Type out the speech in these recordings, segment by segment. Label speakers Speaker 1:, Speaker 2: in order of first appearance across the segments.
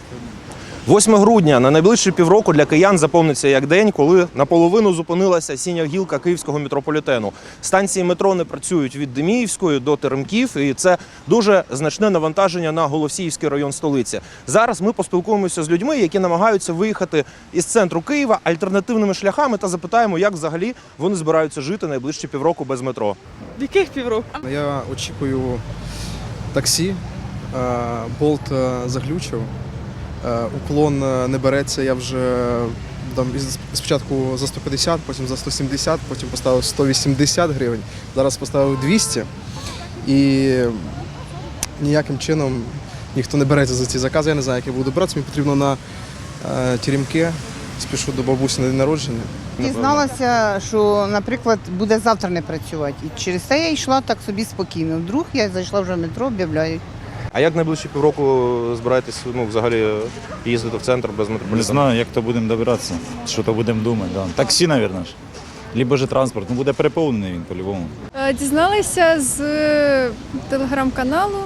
Speaker 1: 8 грудня на найближчі півроку для киян запомниться як день, коли наполовину зупинилася синя гілка київського метрополітену. Станції метро не працюють від Деміївської до Теремків, і це дуже значне навантаження на Голосіївський район столиці. Зараз ми поспілкуємося з людьми, які намагаються виїхати із центру Києва альтернативними шляхами та запитаємо, як взагалі вони збираються жити найближчі півроку без метро.
Speaker 2: Яких півроку?
Speaker 3: Я очікую таксі, болт заглючив, уклон не береться, я вже там, спочатку за 150, потім за 170, потім поставив 180 гривень, зараз поставив 200 і ніяким чином ніхто не береться за ці закази, я не знаю, як я буду братися, мені потрібно на Теремки, спішу до бабусі на день народження.
Speaker 4: Дізналася, що, наприклад, буде завтра не працювати. І через це я йшла так собі спокійно. Вдруг я зайшла вже в метро, об'являють.
Speaker 1: А як найближчі півроку збираєтесь взагалі їздити в центр без метрополітену?
Speaker 5: Не знаю, як то будемо добиратися, що то будемо думати. Да. Таксі, мабуть, ж. Либо же транспорт. Ну, буде переповнений він по-любому.
Speaker 6: Дізналася з телеграм-каналу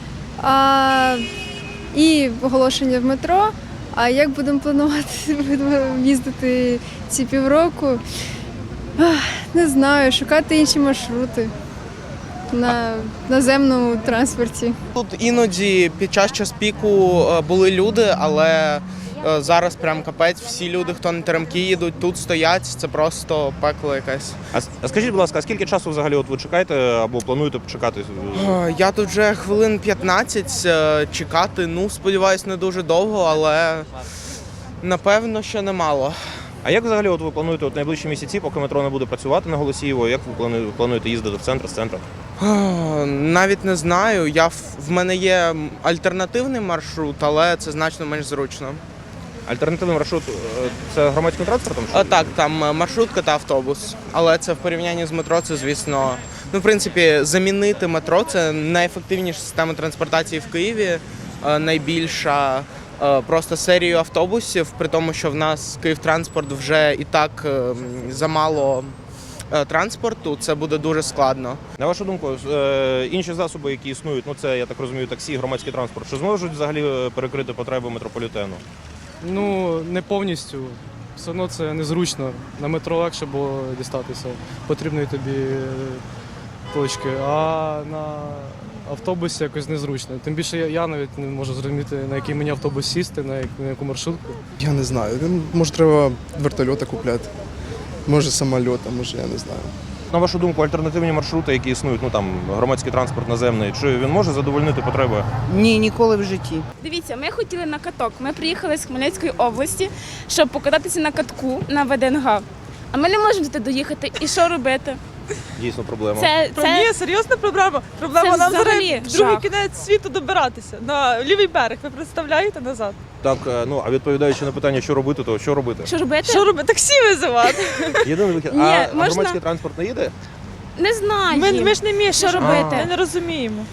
Speaker 6: і оголошення в метро. А як будемо планувати їздити ці півроку? Не знаю, шукати інші маршрути на наземному транспорті.
Speaker 7: Тут іноді під час піку були люди, але зараз прям капець, всі люди, хто на Теремки їдуть, тут стоять, це просто пекло якесь.
Speaker 1: А скажіть, будь ласка, а скільки часу взагалі ви чекаєте або плануєте почекати?
Speaker 7: Я тут вже хвилин 15 чекати, сподіваюсь, не дуже довго, але напевно, що немало.
Speaker 1: А як взагалі ви плануєте найближчі місяці, поки метро не буде працювати на Голосіїво, як ви плануєте їздити в центр, з центру?
Speaker 7: Навіть не знаю. В мене є альтернативний маршрут, але це значно менш зручно.
Speaker 1: Альтернативний маршрут – це громадським транспортом?
Speaker 7: Так, там маршрутка та автобус. Але це в порівнянні з метро, це, звісно, в принципі, замінити метро – це найефективніша система транспортації в Києві, найбільша. Просто серію автобусів, при тому, що в нас Київтранспорт вже і так замало транспорту, це буде дуже складно.
Speaker 1: На вашу думку, інші засоби, які існують, це, я так розумію, таксі, громадський транспорт, що зможуть взагалі перекрити потреби метрополітену?
Speaker 8: Не повністю. Все одно це незручно. На метро легше було дістатися потрібної тобі точки, а на автобусі якось незручно. Тим більше я навіть не можу зрозуміти, на який мені автобус сісти, на яку маршрутку.
Speaker 3: Я не знаю, може треба вертольота купляти, може самоліта, може я не знаю.
Speaker 1: На вашу думку, альтернативні маршрути, які існують, громадський транспорт наземний, чи він може задовольнити потреби?
Speaker 4: Ні, ніколи в житті.
Speaker 9: Дивіться, ми хотіли на каток. Ми приїхали з Хмельницької області, щоб покататися на катку на ВДНГ. А ми не можемо туди доїхати. І що робити?
Speaker 1: Дійсно проблема.
Speaker 2: Ні, серйозна проблема. Проблема
Speaker 9: це
Speaker 2: нам
Speaker 9: взагалі
Speaker 2: зараз в другий
Speaker 9: жах.
Speaker 2: кінець світу добиратися. На лівий берег, ви представляєте, назад.
Speaker 1: Так, а відповідаючи на питання, що робити, то що робити?
Speaker 9: Що робити?
Speaker 2: Що робити? Таксі визивати.
Speaker 1: Єдиний вихід.
Speaker 9: Ні,
Speaker 1: А
Speaker 9: можна-
Speaker 1: громадський транспорт не їде?
Speaker 9: Не знаю.
Speaker 2: Ми ж не вміємо.
Speaker 9: Що робити?
Speaker 2: Ми не розуміємо.